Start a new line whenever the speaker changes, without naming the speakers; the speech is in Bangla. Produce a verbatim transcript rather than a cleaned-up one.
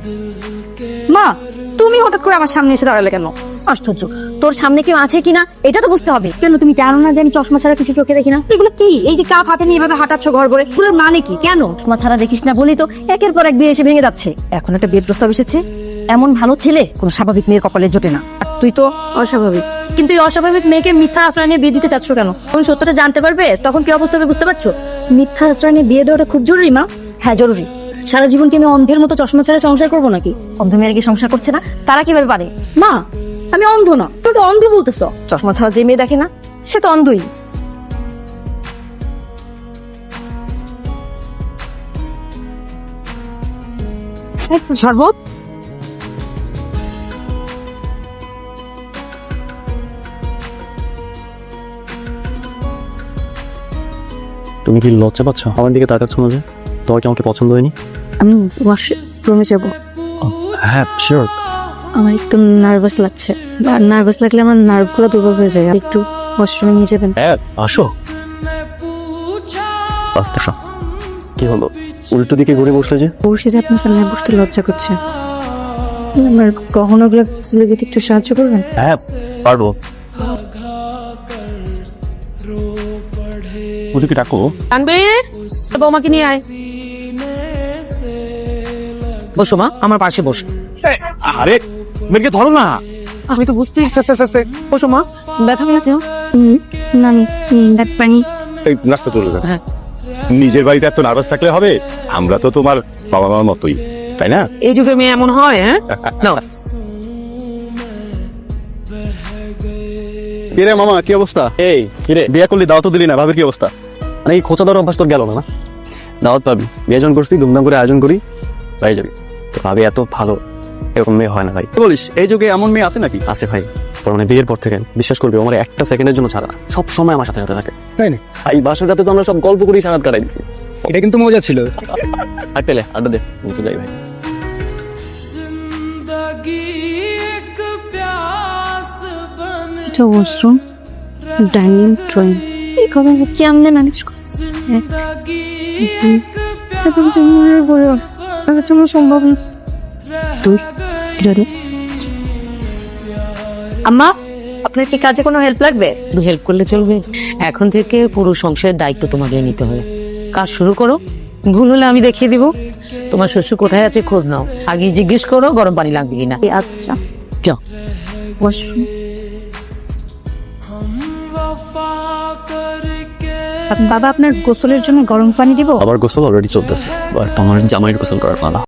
মা, তুমি হঠাৎ করে আমার সামনে এসে দাঁড়ালে কেন?
আশ্চর্য, তোর সামনে কেউ আছে কিনা এটা তো বুঝতে হবে।
কেন তুমি জানো না যে আমি চশমা ছাড়া কিছু চোখে দেখি না? এগুলো কি? এই যে কাপ হাতে নিয়ে এভাবে হাঁটাচ্ছ ঘর ভরে, এগুলোর মানে কি? কেন?
চশমা ছাড়া দেখিস না বলি তো একের পর এক বিয়ে এসে ভেঙে যাচ্ছে। এখন একটা বিয়ের প্রস্তাব এসেছে, এমন ভালো ছেলে কোনো স্বাভাবিক মেয়ের কপালে জোটে না। আর তুই তো
অস্বাভাবিক। কিন্তু এই অস্বাভাবিক মেয়েকে মিথ্যা আশ্রয় নিয়ে বিয়ে দিতে চাচ্ছ কেন? তখন সত্যটা জানতে পারবে, তখন কি অবস্থা হবে বুঝতে পারছো? মিথ্যা আশ্রয় নিয়ে বিয়ে দেওয়াটা খুব জরুরি মা।
হ্যাঁ জরুরি।
সারা জীবন কি আমি অন্ধের মতো চশমা ছাড়া সংসার করবো নাকি?
অন্ধ মেয়েরা কি সংসার করছে না? তারা কিভাবে পারে?
মা, আমি অন্ধ না, তুমি তো অন্ধ বলতেছো।
চশমা ছাড়া যে মেয়ে দেখে না সে তো অন্ধই। শরবত
তুমি কি লজ্জা পাচ্ছ আমার দিকে তাকাচ্ছ না যে? তোমার কি আমাকে পছন্দ হয়নি?
আমি ওয়াশরুমে যাবো।
হ্যাঁ শিওর।
আমার একটু নার্ভাস লাগছে, আর নার্ভাস লাগলে আমার নার্ভগুলো দুর্বল হয়ে যায়। একটু ওয়াশরুমে নিয়ে যাবেন?
হ্যাঁ আসো। আস্তে আসো। কি হলো, উল্টো দিকে ঘুরে বসলে যে?
বসে যে আপনার সামনে বসতে লজ্জা করছে। আমার গহনাগুলো লেগে একটু সাহায্য করবেন?
হ্যাঁ পারবো। ওদিকে ডাকো।
তানবীর, বৌমাকে নিয়ে আয়। বসো মা, আমার পাশে বসো।
আরে মেয়েকে ধরো না।
আমি তো বুঝতেই বসো মা। ব্যথা পেয়েছো?
হুম, না আমি দাঁত পানি।
এই নাস্তা চলে যা।
হ্যাঁ।
নিজের বাড়িতে এত নার্ভাস থাকলে হবে? আমরা তো তোমার বাবা মার মতোই, তাই না?
এই যুগে মেয়ে এমন হয়? হ্যাঁ নাও।
কিরে মামা কি অবস্থা? এই কিরে, বিয়ে করলি দাওয়াত দিলি না, ভাবির কি অবস্থা? মানে এই খোঁচা দেওয়ার অভ্যাস তোর গেল না না? দাওয়াত পাবি, বিয়ে যখন করছি ধুমধাম করে আয়োজন করি, পাই যাবি। তো ভাবি এত ভালো, এরকম মেয়ে হয় না ভাই। বলিস এই যুগে এমন মেয়ে আছে নাকি? আছে ভাই, মানে বিয়ের পর থেকে বিশ্বাস করবি আমার একটা সেকেন্ডের জন্য ছাড়া না, সব সময় আমার সাথে সাথে থাকে।
তাই না?
এই বাসর রাতে তো আমরা সব গল্প করেই সারাত কাটাই দিচ্ছি।
এটা কিন্তু মজা ছিল।
আর পেলে আড্ডা দে, আমি তো যাই ভাই।
এটা ওয়াশরুম, ডাইনিং, ড্রয়িং, এই ঘরে কেমনে ম্যানেজ করছি? এত কিছু মনে পড়ে আমার জন্য সম্ভব না।
তুই রে
আম্মা, আপনার কি কাজে কোনো হেল্প লাগবে?
শুধু হেল্প করলে চলবে? এখন থেকে পুরো সংসারের দায়িত্ব তোমাকে নিতে হবে। কাজ শুরু করো, ভুল হলে আমি দেখিয়ে দিব। তোমার শ্বশুর কোথায় আছে খোঁজ নাও, আগে জিজ্ঞেস করো গরম পানি লাগবে কিনা।
আচ্ছা,
যাও।
ওয়াশরুম। বাবা, আপনার গোসলের জন্য গরম পানি দিব?
আবার গোসল অলরেডি চলতেছে, আর তোমার জামাইয়ের গোসল করার পালা।